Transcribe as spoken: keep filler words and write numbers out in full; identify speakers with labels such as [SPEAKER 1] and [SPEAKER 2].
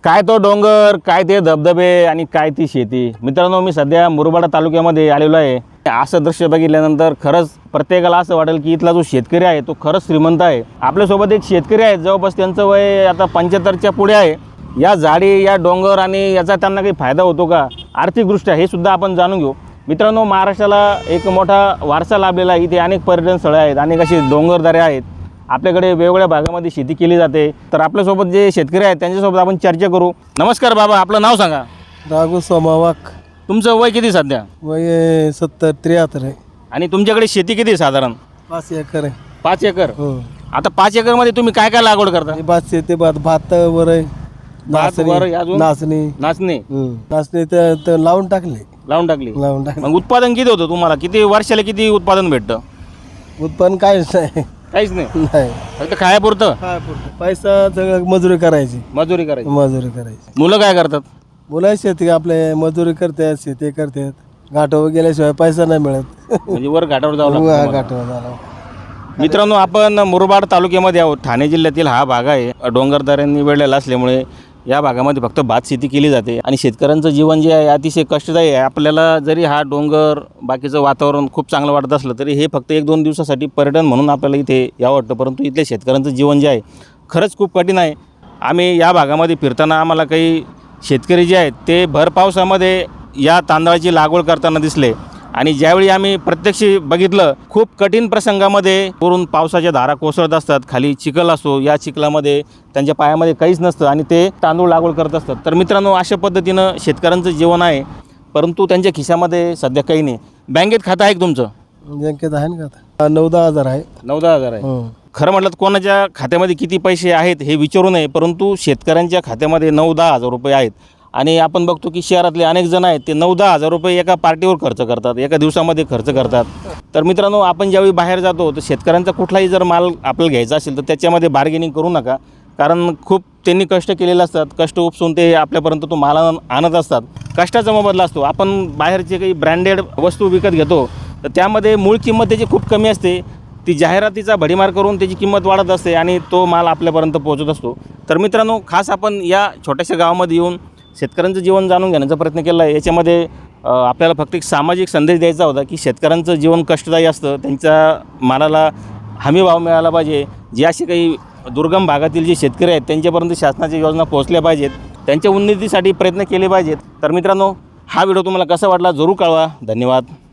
[SPEAKER 1] काय तो डोंगर, काय ते धबधबे आणि काय ती शेती. मित्रांनो, मी सध्या मुरबाड तालुक्यामध्ये आलेलो आहे. असं दृश्य बघितल्यानंतर खरंच प्रत्येकाला असं वाटेल की इथला जो शेतकरी आहे तो खरंच श्रीमंत आहे. आपल्यासोबत एक शेतकरी आहेत, जवळपास त्यांचं वय आता पंच्याहत्तरच्या पुढे आहे. या झाडी, या डोंगर आणि याचा त्यांना काही फायदा होतो का आर्थिकदृष्ट्या, हे सुद्धा आपण जाणून घेऊ. मित्रांनो, महाराष्ट्राला एक मोठा वारसा लाभलेला आहे. इथे अनेक पर्यटन स्थळं आहेत, अनेक अशी डोंगरदऱ्या आहेत. आपल्याकडे वेगवेगळ्या भागामध्ये शेती केली जाते. तर आपल्यासोबत जे शेतकरी आहेत त्यांच्यासोबत आपण चर्चा करू. नमस्कार बाबा, आपलं नाव सांगा.
[SPEAKER 2] राघू सोमावाक.
[SPEAKER 1] तुमचं वय किती सध्या?
[SPEAKER 2] वय सत्तर त्र्याहत्तर आहे.
[SPEAKER 1] आणि तुमच्याकडे शेती किती आहे साधारण?
[SPEAKER 2] पाच एकर आहे.
[SPEAKER 1] पाच एकर.
[SPEAKER 2] हो.
[SPEAKER 1] आता पाच एकरमध्ये तुम्ही काय काय लागवड करता?
[SPEAKER 2] हे भात शेती, भात भात वर आहे.
[SPEAKER 1] भात वर आहे, अजून?
[SPEAKER 2] नाचणी.
[SPEAKER 1] नाचणी
[SPEAKER 2] हं. नाचणी तर तर लावून टाकली.
[SPEAKER 1] लावून टाकली.
[SPEAKER 2] लावून टाकली.
[SPEAKER 1] मग उत्पादन किती होतं तुम्हाला? किती वर्षाला किती उत्पादन भेटतं?
[SPEAKER 2] उत्पन्न काहीच नाही.
[SPEAKER 1] काहीच नाही,
[SPEAKER 2] नाही.
[SPEAKER 1] फक्त खायापुरतं.
[SPEAKER 2] काय पुरतं? पैसा सगळं मजुरी करायची.
[SPEAKER 1] मजुरी करायची.
[SPEAKER 2] मजुरी करायची.
[SPEAKER 1] मुलं काय करतात?
[SPEAKER 2] मुलं शेती आपले मजुरी करतात, शेती करतात. घाटावर गेल्याशिवाय पैसा नाही मिळत.
[SPEAKER 1] म्हणजे वर घाटावर जावं लागतं तुम्हाला.
[SPEAKER 2] घाटावर झाला.
[SPEAKER 1] मित्रांनो, आपण मुरबाड तालुक्यामध्ये आहोत. ठाणे जिल्ह्यातील हा भाग आहे. डोंगरदऱ्यांनी वेढलेला असल्यामुळे या भागामध्ये फक्त भात शेती केली जाते आणि शेतकऱ्यांचं जीवन जे आहे अतिशय कष्टदायी आहे. आपल्याला जरी हा डोंगर, बाकीचं वातावरण खूप चांगलं वाटत असलं तरी हे फक्त एक दोन दिवसासाठी पर्यटन म्हणून आपल्याला इथे यावं वाटतं. परंतु इथल्या शेतकऱ्यांचं जीवन जे आहे खरंच खूप कठीण आहे. आम्ही या भागामध्ये फिरताना आम्हाला काही शेतकरी जे आहेत ते भर पावसामध्ये या तांदळाची लागवड करताना दिसले आणि ज्यावेळी आम्ही प्रत्यक्ष बघितलं, खूप कठीण प्रसंगामध्ये वरून पावसाच्या धारा कोसळत असतात. खाली चिखल असतो, या चिखलामध्ये त्यांच्या पायामध्ये काहीच नसतं आणि ते तांदूळ लागवड करत असतात. तर मित्रांनो, अशा पद्धतीनं शेतकऱ्यांचं जीवन आहे. परंतु त्यांच्या खिशामध्ये सध्या काही नाही. बँकेत खातं आहे का तुमचं?
[SPEAKER 2] बँकेत आहे ना का? नऊ दहा हजार आहे.
[SPEAKER 1] नऊ दहा हजार आहे.
[SPEAKER 2] हं.
[SPEAKER 1] खरं म्हटलं तर कोणाच्या खात्यामध्ये किती पैसे आहेत हे विचारू नये, परंतु शेतकऱ्यांच्या खात्यामध्ये नऊ दहा हजार रुपये आहेत. आणि आपण बघतो की शहरातले अनेक जण आहेत ते नऊ दहा हजार रुपये एका पार्टीवर खर्च करतात, एका दिवसामध्ये खर्च करतात. तर मित्रांनो, आपण ज्यावेळी बाहेर जातो तर शेतकऱ्यांचा कुठलाही जर माल आपल्याला घ्यायचा असेल तर त्याच्यामध्ये बार्गेनिंग करू नका. कारण खूप त्यांनी कष्ट केलेले असतात. कष्ट उपसून ते आपल्यापर्यंत तो माल आणत असतात. कष्टाचा मोबदला असतो. आपण बाहेरचे काही ब्रँडेड वस्तू विकत घेतो तर त्यामध्ये मूळ किंमत त्याची खूप कमी असते. ती जाहिरातीचा भडीमार करून त्याची किंमत वाढत असते आणि तो माल आपल्यापर्यंत पोहोचत असतो. तर मित्रांनो, खास आपण या छोट्याशा गावामध्ये येऊन शेतकऱ्यांचं जीवन जाणून घेण्याचा प्रयत्न केला आहे. याच्यामध्ये आपल्याला फक्त एक सामाजिक संदेश द्यायचा होता की शेतकऱ्यांचं जीवन कष्टदायी असतं. त्यांच्या मालाला हमी भाव मिळाला पाहिजे. जे असे काही दुर्गम भागातील जे शेतकरी आहेत त्यांच्यापर्यंत शासनाच्या योजना पोहोचल्या पाहिजेत. त्यांच्या उन्नतीसाठी प्रयत्न केले पाहिजेत. तर मित्रांनो, हा व्हिडिओ तुम्हाला कसा वाटला जरूर कळवा. धन्यवाद.